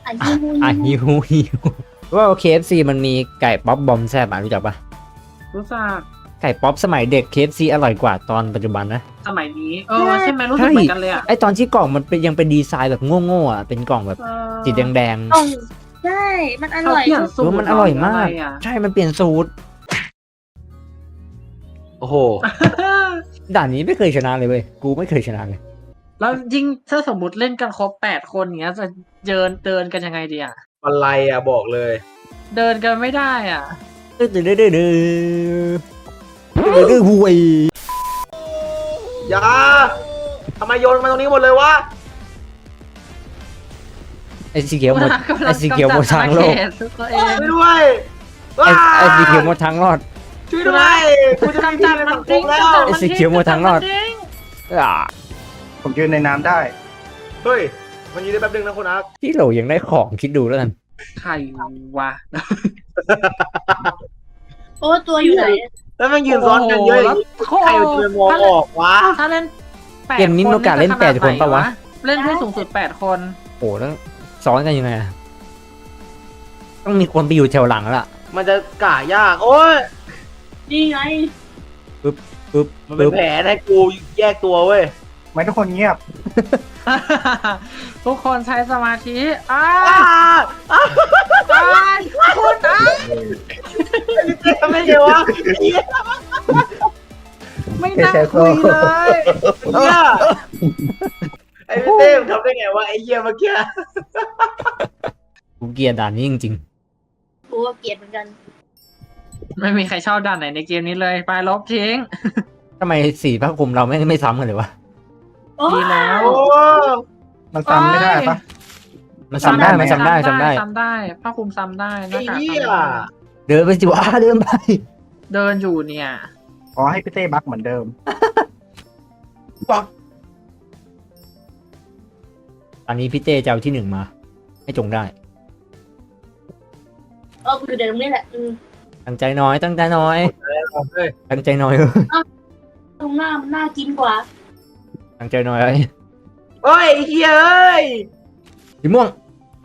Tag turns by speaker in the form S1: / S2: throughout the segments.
S1: ฮิว
S2: อ่ะฮิวว่าเคเอฟซีมันมีไก่ป๊อปบอมแซ่บอ่ะรู้จักปะ
S3: รู้จัก
S2: ไก่ป๊อปสมัยเด็กเคเอฟซีอร่อยกว่าตอนปัจจุบันนะ
S3: สมัยนี้ใช่ไหมรู้สึกเหมือนกันเลยอ่ะ
S2: ไอตอนที่กล่องมันเป็นยังเป็นดีไซน์แบบโง่ๆอ่ะเป็นกล่องแบบสีแดง
S1: อ๋อใช่ มันอ
S3: เขา
S1: ร่อย
S3: เปลี่ยน
S2: ๆ
S3: สูตร
S2: มันอร่อยมาก
S3: ะ
S2: ใช่มันเปลี่ยนสูตร
S4: โอ้โห
S2: ด่านนี้ไม่เคยชนะเลยเว้ยกูไม่เคยชนะเลย
S3: แล้วยิ่งถ้าสมมติเล่นกันครบ8 คนอย่างเงี้ยจะเดินกันยังไงดีอ่ะ
S4: อะไรอ่ะบอกเลย
S3: เดินกันไม่ได้อ่ะ
S2: ดื้อห่วย
S4: อย่าทำไมโยนมาตรงนี้หมดเลยวะ
S2: ไอสีเขียวหมดไอสีเขียวหมดทางโลก
S3: ตัวเอง
S4: ช่วยด้วย
S2: ไอสีเขียวหมดทางรอด
S4: ช่วยด้วยกูจะ
S3: กำจัดมันทิ้ง
S4: แล้ว
S3: กำจัด
S2: ไอ้
S3: มัน
S2: สี
S3: ทิ้ง
S2: เขียวหมดทางรอด
S3: กำจัมันทิ้ง
S2: อ่า
S5: ผมยืนในน้ำได้
S4: เฮ้ยมันยืนได้แป๊บนึงนะคุณอาร์ค
S2: ที่โหลยังได้ของคิดดูแล้วกัน
S3: ใครวะ
S1: โอ้ตัวอยู่ไหน
S4: แล้วมันยืนซ้อนกันเยอะอย่างนี้ใครจะไปมองออกวะ
S3: ถ้าเล่น8
S2: เกมนี้มีโอกาสเล่น
S3: จะขด
S2: 8 คนปะวะ
S3: เล่นได้สูงสุด8 คน
S2: โอ้แล้วซ้อนกันยังไงอะต้องมีคนไปอยู่แถวหลังแล้วล่ะ
S4: มันจะก่ายาก โอ้ย
S1: นี่ไง
S2: ปึ๊บ
S4: มันเป็นแผนให้กูแยกตัวเว้ย
S5: ไม่ทุกคนเงียบ
S3: ทุกคนใช้สมาธิอ้า
S4: อ้า
S3: คุณอ้า
S4: ทำไมเดี๋ยววะเหี้ย
S3: ไม่น่าคุยเลย
S4: ไอ้พี่เต้มทำได้ไงวะไอ้เหี้ยเมื่อกี้
S2: กูเกลียดด่านนี้จริง
S1: กูก็เกลียดเหมือนกัน
S3: ไม่มีใครชอบด่านไหนในเกมนี้เลยไปลบทิ้ง
S2: ๆทำไมสีผ้าคลุมเราไม่ซ้ำกันเลยวะ
S1: โอ้
S3: ดีแล้ว
S4: โอ้
S5: มันซ้ำไม่ได้ปะ
S2: มันซ้ำได้มันซ้ำได้ซ้ำได้
S3: ซ้ำได้ผ้าคลุมซ้ำได้ห
S4: ไอ้
S3: น้ากาก
S4: เหี้ย
S3: ซ้ำได้
S2: เดินไปสิวะเดินไป
S3: เดินอยู่เนี่ย
S5: ขอให้พี่เต้บักเหมือนเดิม
S2: ตอนนี้พี่เต้จะเอาที่1มา ให้จงได้
S1: กูอยู่เดี๋ยวตรงนี้แหละ
S2: ตั้งใจน้อยตั้งใจน้อย
S4: เฮ้ย
S2: ตั้งใจน้อย
S1: ตรงหน้ามันน่ากินกว่า
S2: ตั้งใจน้อยเอ้ย
S4: เฮ้ยไอ้เหี้ยเอ้ย
S2: สีม่วงไป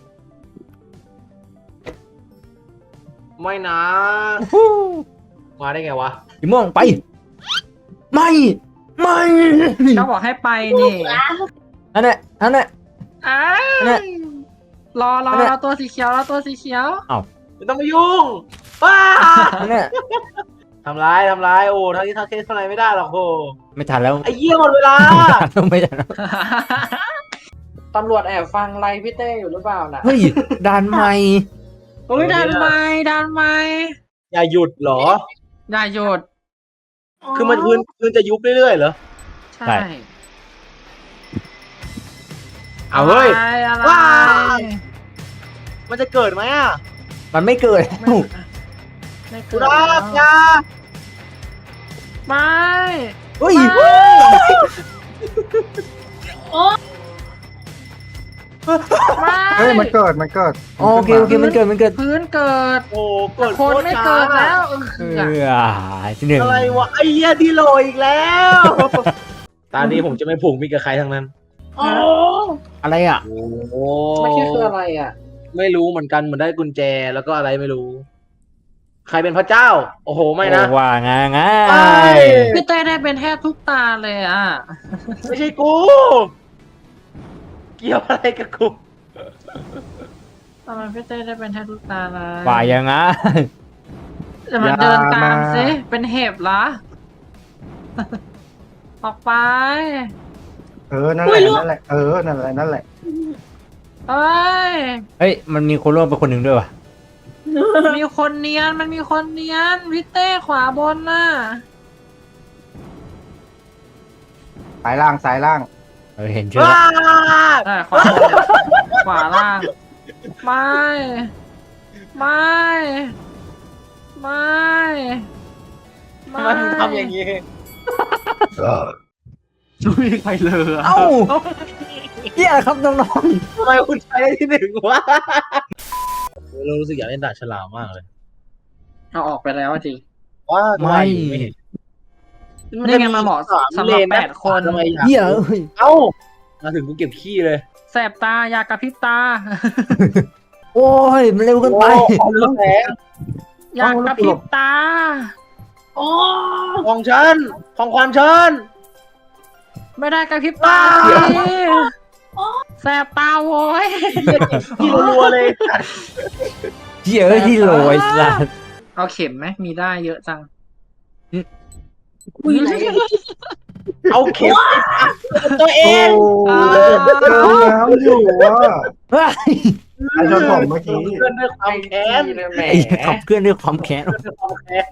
S4: ไม่นะ มาได้ไงวะ
S2: สีม่วงไป ไม่ไม่
S3: เขาบอกให้ไปนี่
S2: อันนั้นอันนั้น
S3: อ้า
S2: เนี่ย
S3: รอ
S2: อันเนี่ย
S3: ตัวสีเขียวรอตัวสีเขียว
S4: ไม่ต้องมายุ่งว้า
S2: อันนั้น
S4: ทำร้ายโอ้ทั้งที่ทักเคสทำอะไรไม่ได้หรอกโอ้
S2: ไม่ทันแล้ว
S4: ไอ้เหี้ยหมดเวลา
S2: ไม่ทันแล้ว
S3: ตำรวจแอบฟังไลฟ์พี่เต้อยู่หรือเปล่าน่ะ
S2: เฮ้ยด่านใหม่
S3: เฮ้ยดันไม่
S4: อย่าหยุดเหรอ
S3: อย่าหยุด
S4: คือมันพื้นจะยุบเรื่อยๆเหรอ
S3: ใช่
S4: เอาเฮ้ย
S3: อะไร
S4: ว้าย มันจะเกิดไหมอ่ะ
S2: มันไม่เกิด
S3: ไม่เกิ
S4: คุ
S3: ด
S4: ณอาบยา
S3: ไม่
S2: เฮ้ย
S3: ไม่
S5: เฮ้ยมันเกิด
S2: โอเคมันเกิด
S3: พื้นเกิด
S4: โอ้เกิด
S3: คนไม่เกิดแล้ว
S2: ที่หนึ่ง
S4: อะไรวะไอ้เหี้ยดีโลอีกแล้ว ตอนนี้ผมจะไม่ผูกมิตรกับใครทั้งนั้น
S1: โอ้
S2: อะไรอ่ะ
S4: โอ้
S3: ไม่ใช่คืออะไรอ่ะ
S4: ไม่รู้เหมือนกันเหมือนได้กุญแจแล้วก็อะไรไม่รู้ ใครเป็นพระเจ้า โอ้โหไม่นะ
S2: ว่าง่าย
S4: ไม่
S3: พี่เต้ได้เป็นแทบทุกตาเลยอ่ะ
S4: ไม่ใช่กู เกี่ยวอะไรกับกู
S3: ทำไมพี่เต้ได้เป็นแทบทุกตาเลย
S2: ว่ายังไง
S3: จะมาเดินตามสิเป็นเห็บเหรอ ออกไป
S5: นั่นแหละนั่นแหละ
S3: เอ้ย
S2: เฮ้ยมันมีคนร่วมไปคนหนึ่งด้วยว่ะ
S3: มีคนเนียนมันมีคนเนียนพี่เต้ขวาบนน่ะ
S5: สายล่าง
S2: เห็นชื่อ
S4: ว้า
S3: ใช่ขวาบนขวาล่าง ไม่ไม่ไม่
S4: ทำไมมึงทำอย่างนี้
S3: ไม่มีใครเลย
S2: เอ้าเฮียครับน้อง
S4: ทำไมคุณใช้ได้ที่หนึ่งวะเรารู้สึกอยากเล่นดาบฉลามมากเลย
S3: เอาออกไปแล้วจริง
S4: ว่า
S2: ๆไม่
S3: นี่ไงมาเหมาะสำหรับ8 คน
S4: ทำไม
S2: เฮียเอ้ย
S4: เอ้ามาถึงกูเก็บขี้เลย
S3: แสบตาอยากกระพริบตา
S2: โอ้ยมันเร็วเกินไป
S4: โอ้ของแสง
S3: อยากกระพริบตา
S1: โอ้
S4: ของฉันของขวัญฉัน
S3: ไม่ได้กระพริบตา
S4: ว้าว
S3: สิแสบตาโว้ย
S4: ที่รัวๆเลย
S2: เหี้ยอะที่โรยสัส
S3: เอาเข็มไหมมีได้เยอะจัง
S1: คุยไหน
S4: เอาเข็มตัวเอ
S5: โอ้
S4: ง
S5: เจอน้ำอยู่ว่ะ
S2: เฮ้ย
S5: ไอ้ชนผมเมื่อกี้
S4: เพื่อนด้วยความแค้น
S3: แหม
S2: ไอ้ขับเคลื่อนด้วยความแค้น
S4: ด้วยความแค้น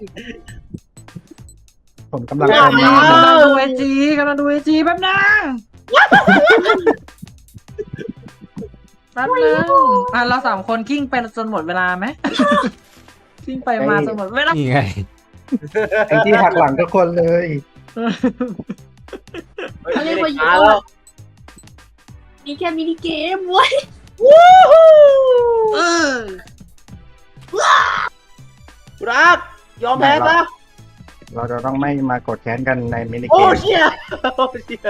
S5: ผมกำลัง
S4: ว้าว
S5: เติมน้ำ
S3: กำลังดูไอจีแป๊บนึงแป๊บนึงเราสามคนกิ้งไปจนหมดเวลาไหม กิ้งไปมาจนหมดเวลา
S2: นี่ไง
S5: ไอ้ที่หักหลังทุกคนเลย
S1: เขาเรียกว่า
S4: มาแล้ว
S1: มีแค่มินิเกมเว้ย
S3: เออ
S4: รักยอมแพ้ซะ
S5: เราจะต้องไม่มากดแค้นกันในมินิ
S4: โอ้
S5: เกม
S4: เชี่ยโอ้เชี่ย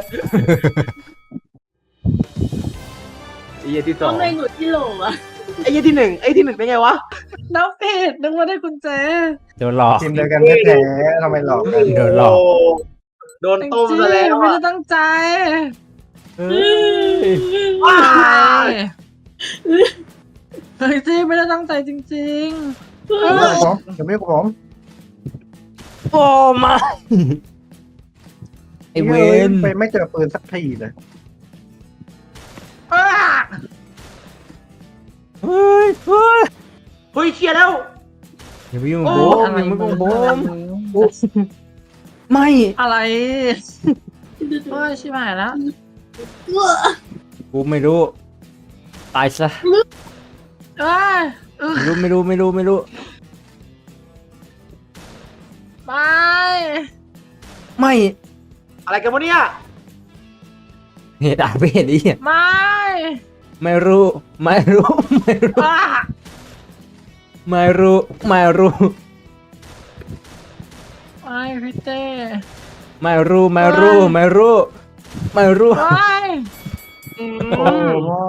S4: ไอ้เหี้ยที่สอ
S1: ต้อง งได้หนุดที่โหลอะ
S4: ไอ้เหี้ยที่หนึ่งเป็นไงวะ
S3: น้ำผิดนึกว่าได้กุญแจ
S2: โดนหลอก
S5: ทีมเดียวกันแท้ๆทำไมหลอกกัน
S2: โดนหลอก
S4: โดนต้มซะแล้ว
S3: ไม่
S4: อะ
S3: ได้ตั้งใจ
S2: เฮ้ย
S4: ว้า
S3: เฮ้ยจี้ไม่ได้ตั้งใจจริง
S5: เดี๋ยวไม่กับผมเดี๋ยวไม่กับผม
S2: โอ้มาไอเวน
S5: ไปไม่เจอปืนสักทีเลย
S3: ๆอ้า
S2: เฮ้ยเฮ้ย
S4: เฮ้ยเชี่ยแล้ว
S2: อย่าไปยุ่ง
S4: โอ้
S2: กับผมอย่าไปยุ่งกับผมไม่
S3: อะไรเฮ้ยชิบหายแล้ว
S2: กูไม่รู้ตายซะ
S3: เอ้ย
S2: ไม่รู้ไม่รู้
S3: ไป
S2: ไม่
S4: อะไรกันวะเนี่ย
S2: เหตุอาจไม่เห็นดิ
S3: ไม่
S2: ไม่รู้ไม่รู้
S3: อ้า
S2: ไม่รู้ไม่รู้
S3: ไม่พี่เต้
S2: ไม่รู้ไม่รู้ไม่รู้ไม่รู้
S3: ไป
S5: โอ้มอน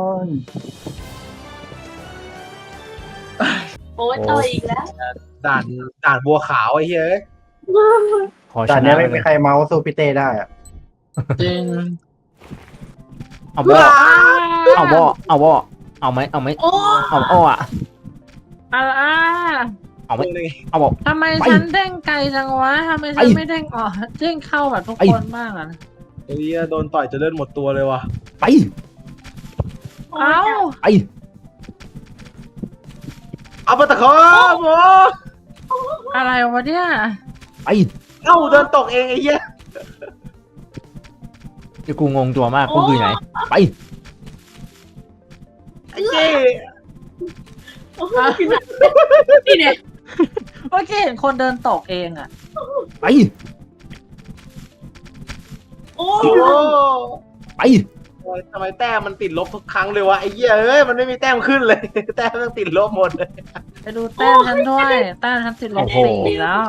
S1: โอ้ยต่อยอีกแล้ว
S4: ด่านบัวขาวไอ้เหี้ย
S2: ขอช
S5: แต่อัน
S2: นะ
S5: เนี้ย
S2: เล
S5: ไม่
S2: ย
S5: มีใครเมาส์สู้พี่เต้ได้อะ
S3: จริง
S2: เอาบ่เอาบ่เอาบ่เอาไหมเอาไหม
S1: โอ้
S2: เอาอ้ออะ
S3: อ่า
S2: เอาไหมเอาบ่
S3: ทำไม
S2: ไป
S3: ฉันเด้งไกลจังวะทำไมฉัน
S2: ไป
S3: ไม่เด้งออกเด้งเข้าแบบทุก
S2: ไป
S3: คนบ้างอ่ะ
S4: ไอ้เหี้ยโดนต่อยจะเลือดหมดตัวเลยว่ะ
S2: ไป
S3: เอ้า
S2: ไป
S4: เอาไปตะคอโม
S3: อะไรวะเนี่ย
S2: ไป
S4: เอ้าเดินตกเองไอ้เหี้ย
S2: เดี๋ยวกูงงตัวมากกูคือไหนไป
S4: ไอ้เจ๊
S1: โอ้โหนี่เนี่ย
S3: เมื่อกี้เห็นคนเดินตกเองอ่ะ
S2: ไป
S1: โอ้
S4: โอ้
S2: ไป
S4: ทำไมแต้มมันติดลบทุกครั้งเลยวะไอ้เหี้ยเอ้ยมันไม่มีแต้มขึ้นเลย แต้มมันติดลบหมดเลย
S3: ไปดูแต้มฉันด้วยแต้มฉันติดลบ4แล้ว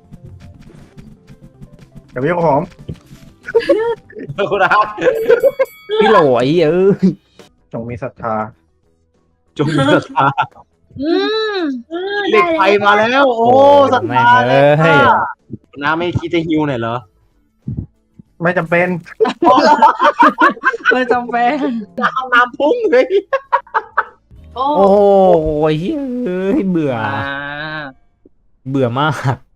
S5: เดี๋ยวไม่กับผม
S4: คุณอา
S2: พี่โหลไอ้เอ้ย
S5: จงมีศรัทธา
S4: จงมีศรัทธา
S3: อืม
S4: เหล็กไฟมาแล้ว โอ้ศรัท
S2: แม่ง
S4: ธา
S2: เอ้ย
S4: น้าไม่คิดจะฮิวหน่อยเหรอ
S5: ไม่จำเป็น
S3: เลยจำเป็น
S4: น้ำพุ่งเลย
S1: โอ้
S2: โอ้ยเอ้ยเบื่อ เบื่อมาก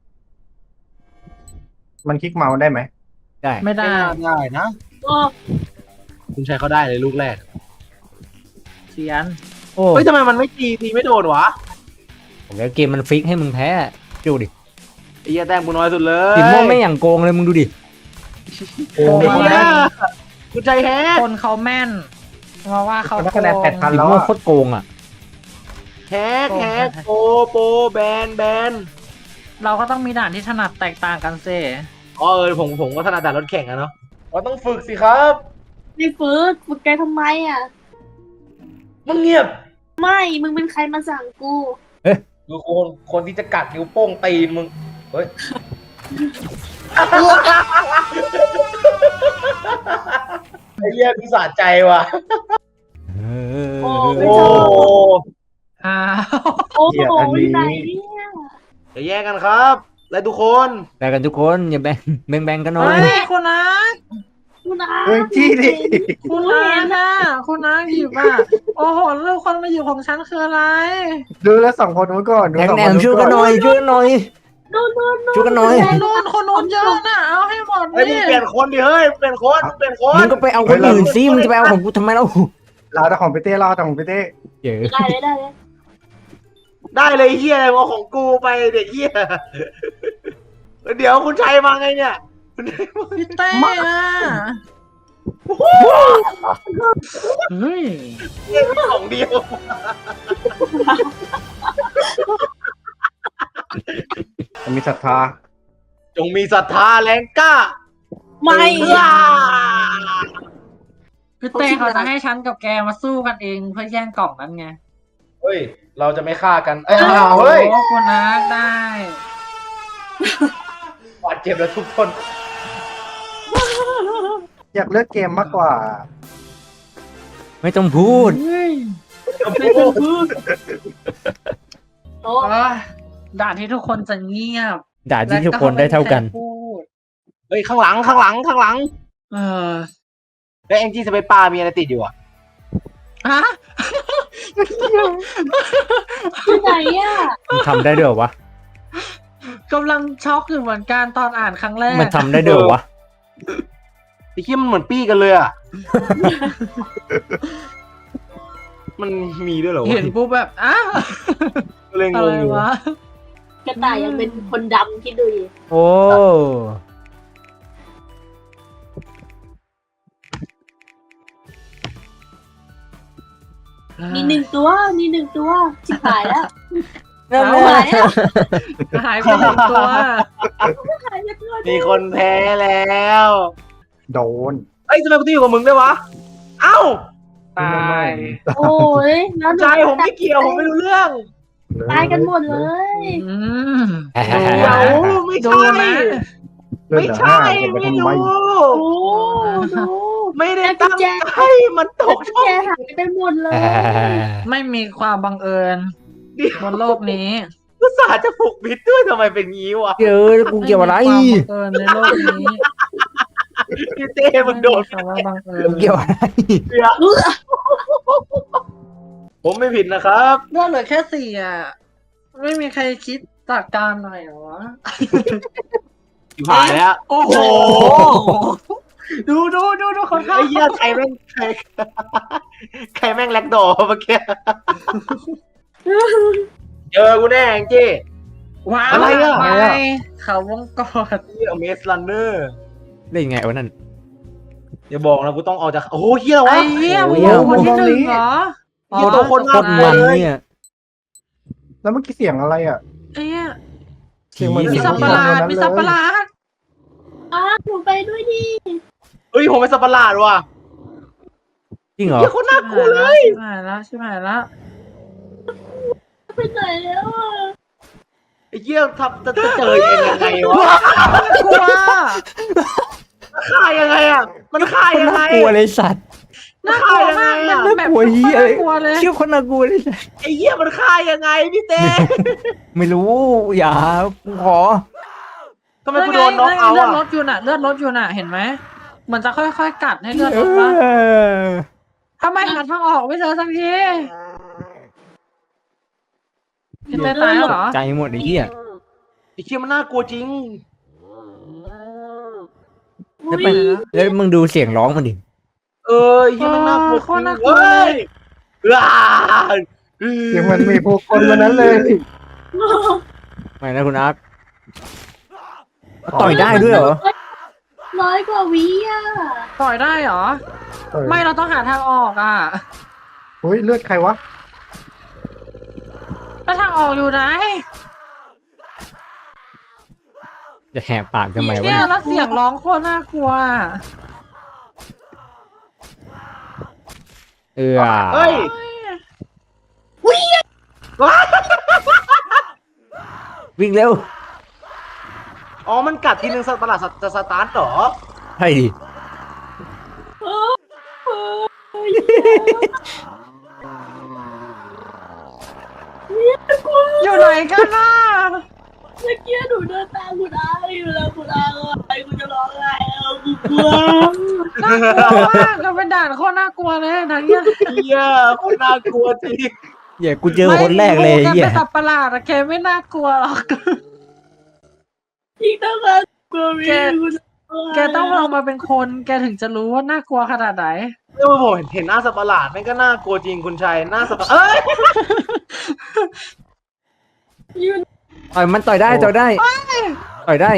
S5: มันคลิกเมาส์ได้ไหม
S2: ได้
S3: ไม่ได้
S4: ได้นะ
S1: โอ้
S4: คุณชัยเขาได้เลยลูกแรก
S3: เสียน
S2: โอ้
S4: เฮ้ยทำไมมันไม่ตีไม่โดนวะ
S2: ผมแล้วเกมมันฟิกให้มึงแพ้ดูดิ
S4: ไอ้เหี้ยแต้มกูน้อยสุดเลย
S2: ติมโม่ไม่อย่างโกงเลยมึงดูดิ
S5: โอ้
S3: โอ้
S4: ไอ้
S3: โห
S4: เหี้ยคุณชัยแฮก
S3: คนเขาแม่นมาว่าเขา
S5: ได้
S3: โก
S5: คะแนน
S3: ง
S5: 8,000
S2: ติม
S5: แล้ว
S2: โม่
S5: อะ
S2: โคตรโกงอ่ะ
S4: แฮกโปแบน
S3: เราก็ต้องมีด่านที่ถนัดแตกต่างกันเซ่
S4: อ๋อผมก็ถนัดแต่รถแข่งอะเนาะเราต้องฝึกสิครับ
S1: ไม่ฝึกแกทำไมอ่ะ
S4: มึงเงียบ
S1: ไม่ มึงเป็นใครมาสั่งกู
S4: ดูคนที่จะกัดนิ้วโป้งตีนมึง เฮ้ย ไอ้เหี้ยกูสะใจว่ะ
S1: โอ้
S4: โอ้
S3: อ้าว
S1: โอ้
S5: เกลียด
S1: โห
S5: อันนี้
S1: ไหนเนี่ย
S4: อย่าแย่งกันครับและทุกคน
S2: แบ่งกันทุกคนอย่าแบ่งกันหน่อ
S3: เฮ้
S2: ย
S3: ยคุณนัท
S1: คุณอา
S5: เฮ้ยจี้ดิ
S3: คุณนัทน่ะคุณนัทหยิบอ่ะโอ้โหลูกคนมาหยิบของฉันคืออะไร
S5: ดูแล้วสองคนนู้นก่อนดู
S2: แหน
S5: สอง
S2: แหน
S5: คน
S2: ม
S5: นู้น
S2: ช่วย
S5: ก่
S2: กั
S5: อน น
S2: หน่อยช่วยกันหน่อย
S1: นู่นนู่น
S2: ช่วยกันหน่อย
S3: คนนู้นเยอะน่ะเอาให้หมด
S4: เฮ้ยมึง
S3: นี่
S4: เปลี่ยนคนดิเฮ้ยเปลี่ยนคนเปลี่ยนคน
S2: มึงก็ไปเอาคนอื่นสิมึงจะไปเอาของกูทำไมเล่า
S5: เราแต่ของพี่เต้เราแต่ของพี่เต้
S2: เยอะ
S1: ได้เลยได้เลย
S4: ได้เลยเฮียอะไรเอาของกูไปเด็กเฮียเดี๋ยวคุณชัยมาไงเนี่ยคุณชัยมา
S3: พี่เต้อะเฮ้ย
S4: มีของเดียว
S5: มีศรัทธา
S4: จงมีศรัทธาแรงกล้า
S1: ไม่
S4: เอื้อ
S3: พี่เต้เขาจะให้ฉันกับแกมาสู้กันเองเพื่อแย่งกล่องนั้นไง
S4: เฮ้ยเราจะไม่ฆ่ากันเอ้ยเฮ้ย
S3: โอ้คุณนัทได้
S4: บาดเจ็บแล้วทุกคน
S5: อยากเลือกเกมมากกว่า
S2: ไม่ต้องพูด
S3: เฮ้ย
S1: โอ้
S3: เอ้ยด่านที่ทุกคนจะเงียบ
S2: ด่าที่ทุกคนได้เท่ากัน
S3: และไม่มีใครพูด
S4: เฮ้ยข้างหลัง
S3: เออ
S4: แล้วแองจี้สเปซปลามีอะไรติดอยู่อ่ะ
S3: ฮะ
S1: ที่ไหนอ่ะ
S2: มันทำได้ด้วยเหรอวะ
S3: กำลังช็อกอยู่เหมือนกันตอนอ่านครั้งแรก
S2: มันทำได้ด้วยเหรอวะ
S4: ไอ้เหี้ยมันเหมือนปี้กันเลยอ่ะ มันมีด้วยเหรอวะ
S3: เห็นปุ๊บแบบอ้าว
S4: เลยง
S3: อะไร
S4: งอยู่
S3: วะ
S1: กระต่ายยังเป็นคนดำคิดดูดิ
S2: โอ้
S1: มีหนึ่งตัวชิบหายแล้ว
S2: นั่น
S3: เอา
S2: แหละ
S3: หายไปหนึ่งตัว
S1: หายไปตัว
S4: มีคนแพ้แล้ว
S5: โดน
S4: เอ้ยทำไมกูต้องอยู่กับมึงด้วยวะ เอ้า
S3: ตาย
S1: โอ้ยแล้ว
S4: ใจผมไม่เกี่ยวผมไม่รู้เรื่อง
S1: ตายกันหมดเลย
S3: อืม
S4: เดี๋ยวไม่
S3: ดู
S4: ใช่
S3: นะ
S5: เลือด
S4: ไม่
S5: เหลือ
S4: ใช่
S5: ห้าจะไป
S4: ไม่
S5: ทำไม
S4: รู้
S1: โอ้ดู
S4: ไม่ได้ตั้งใจมันตกช่อง
S1: แกหายไปหมดเลย
S3: ไม่มีความบังเอิญ
S4: เดียว
S3: บนโลกนี้
S4: อุตส่าห์จะผูกมิดด้วยทำไมเป็นงี้วะ
S2: เยอะแล้วกูเกี่ยวอะไร
S3: ม่มีความบังเอิญในโลกนี้
S4: พี่เต้มันโดน
S3: ไคำว่าบังเอิญ
S2: กูเกี่ยวอะไร
S4: ผมไม่ผิดนะครับ
S3: เลือดเหลือแค่สี่อ่ะ ไม่มีใครคิดจัดการหน่อยเหรอวะ
S4: อยู่ผ่านแล้ว
S3: โอ้โห ดูคน
S4: ไอ้เหี้ยใครแม่งใครแม่งแลกดอเมื่อกี้เจอกูแน่แองจี้
S3: ว้าว
S4: อะไรอะ
S3: ไม่เขาวงกด
S4: นี่อเมสลันเนอร์
S2: ได้ยังไงวะนั่น
S4: อย่าบอกนะกูต้องเอาจากโอ้โหเหี้ย
S3: ไอ้
S4: วะ
S3: เหี้ย
S2: โอ้
S3: มึ
S2: ย
S3: งคนที่หนึ่งเหรอ
S4: เหี้ยตัวคน
S2: โคตรมันเนี่ย
S5: แล้วเมื่อกี้เสียงอะไรอ่ะ
S3: ไอ้เหี้ย
S5: เสียงเหมือน
S3: มี
S5: เสียง
S3: สัตว์ประหลาดมีสัตว์ประหลาด
S1: อ้าหนูไปด้วยดิ
S4: เฮ้ยผมเป็นสัตว์ประหลาดว่ะ
S2: จริงเหรอ
S4: เหี้ยโคนน่ากลัวเลย
S3: ชิบหายแล้ว
S1: ไปไหนแล้วอ่ะ
S4: ไอ้เหี้ยทำจะเจอเองยังไงวะ
S3: กลัว
S4: ฆ่ายังไงอ่ะมันฆ่า
S2: คน
S4: ยังไง
S2: น่ากลัวเลยสัตว์
S3: น่ากลัวมาก
S4: น่า
S3: มันแบบ
S2: น่ากลัวเหี้ย
S3: น่ากลัวเลย
S2: เชื่อคนน่ากลัวเลยสัตว์
S4: ไอ้เหี้ยมันฆ่ายังไงพี่เต้
S2: ไม่รู้อย่ากูขอ
S4: ทำไมกูโดนน็อกเอา
S3: เลือ
S4: อ่ะ
S3: ดลดอยู่น่ะเห็นไหมมันจะค่อยๆกัดให้เลือดลดปะทำไมหาทางออกไม่เจอสักทีพี่เต้ตายแล้วเหรอ
S2: ใจหมดไอ้เหี้ย
S4: ไอ้เหี้ยมันน่ากลัวจริง
S2: แล้วไปแล้วมึงดูเสียงร้องมันดิ
S4: เออไอ้เหี้ยมันน่ากลัว
S3: โคตรน่ากลัว
S4: เว้ยว้า
S5: เสียงมันมีพวกคนวันนั้นเลย
S2: ไม่นะคุณอาร์ตต่อยได้ด้วยเหรอ
S1: 100 กว่าวิอ่ะ
S3: ต่อยได้เหรอ ไม่เราต้องหาทางออกอ่ะ
S5: เฮ้ยเลือดใครวะ
S3: แล้วทางออกอยู่ไหน
S2: จะแหกปากทำไมวะ
S3: เนี่ย
S2: เนี่ย
S3: แล้วเสียงร้องโคตรน่ากลัว
S2: เออ
S4: เฮ้ยว้า
S2: วิ่งเร็ว
S4: อ๋อมันกัดทีนึงสัตว์ประหลาดจะสตาร์ทเหรอ
S2: ใช่ดิ
S3: ไหนกันน่ะ
S1: เมื่อกี้หนูเดินตามคุณอาอยู่แล้วคุณอาอะไรกูจะร้องไห้เอากูกลัว
S3: น่ากลัวมากเราเป็นด่านโคตรน่ากลัวเลยนะเนี่ย
S4: เฮียโคตรน่ากลัวจริง
S2: เหี้ยกูเจอคนแรกเลย
S3: แก
S2: เหี้ย
S3: เป็นสัตว์ประหลาดอะแกไม่น่ากลัวหรอก
S1: อีกตั้งแต่กลัวมีกูจะ
S3: แกต้องลองมาเป็นคน แกถึงจะรู้ว่าน่ากลัวขนาดไหน
S4: เมื่อผมเห็นหน้าสัตว์ประหลาดมันก็น่ากลัวจริงคุณชัยหน้าสัตว์ประหลาดเอ้ย
S1: ยืน
S2: ต่อยมันต่อยได้ต่อยได้ต่อยได้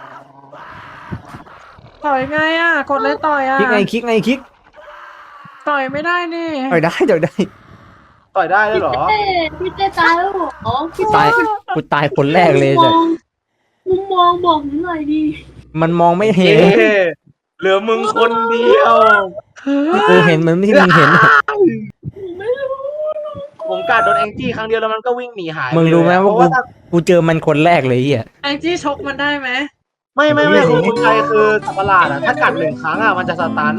S3: ต่อยไงอ่ะ กดเลยต่อยอ่ะ
S2: คลิกไงคลิกไงคลิก
S3: ต่อยไม่ได้นี่
S2: ต่อยได้ต่อยได้
S4: ต่อยได้เลยเหรอ
S1: พี่เต้ตายแล้วเหรอพี่
S2: ตายกูตายคนแรกเลย
S1: มุม
S2: จ้ะ
S1: มุมมองบอกหนูหน่อยดิ
S2: มันมองไม่เห็
S4: เอ๊
S2: น
S4: เหลือมึงคนเดียว
S2: กูเห็นมันไม่ที่มึงเห็น
S1: หนูไม่รู้
S4: ผมกัดโดนแองจี้ครั้งเดียวแล้วมันก็วิ่งหนีหายป
S2: มึงรู้ไหม
S4: เลย
S2: ว่า
S4: เพราะว่าถ้า
S2: กูเจอมันคนแรกเลยเหี้ย
S3: แองจี้ชกมันได้ไหม
S4: ไม่คือคุณชัยคือสัตว์ประหลาดอะถ้ากัดหนึ่งครั้งอะมันจะสตัน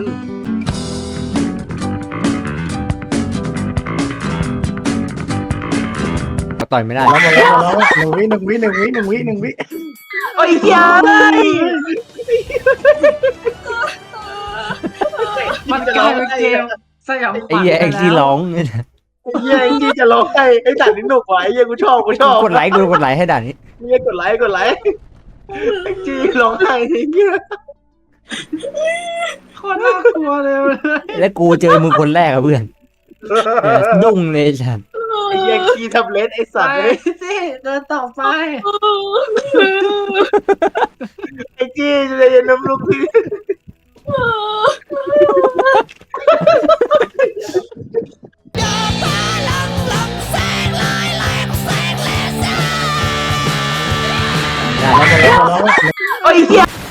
S2: ต่อยไม่ได้
S5: แล้วหมดแล้วหนึ่งวิหนึ่งวิหนึ่งวิหนึ่งวิหนึ่งวิ
S4: โอ้ยเฮียเลย
S3: มันกลายเป็นเกมสยองข
S2: ไอ้
S3: วัญ
S2: เหี้ย
S3: ไป
S2: ไอ้ที่
S3: แล้ว
S2: ร้อง
S4: ไอ้เฮียแองจี้จะร้องไห้ไอ้ด่านนี้หนุกว่ะไอ้เฮียกูชอบ
S2: กดไลค์กูกดไลค์ให้ด่านนี้
S4: เฮียกดไลค์แองจี้ร้องไห้ไอ้เฮีย
S3: โคตรน่ากลัวเลย
S2: แล้วกูเจอมึงคนแรกอะเพื่อนดุ้งเลยฉัน
S4: ไอ้เฮียขี้ทับเล็ดไอ้สัตว์
S3: ไป
S4: เลย
S3: สิเดินต่อไป
S4: ไอ้จี้จะเย็นน้ำลูกพี่
S2: ด่านแล้ว
S5: แล้วหมดแล้ว
S4: โอ้ยเฮีย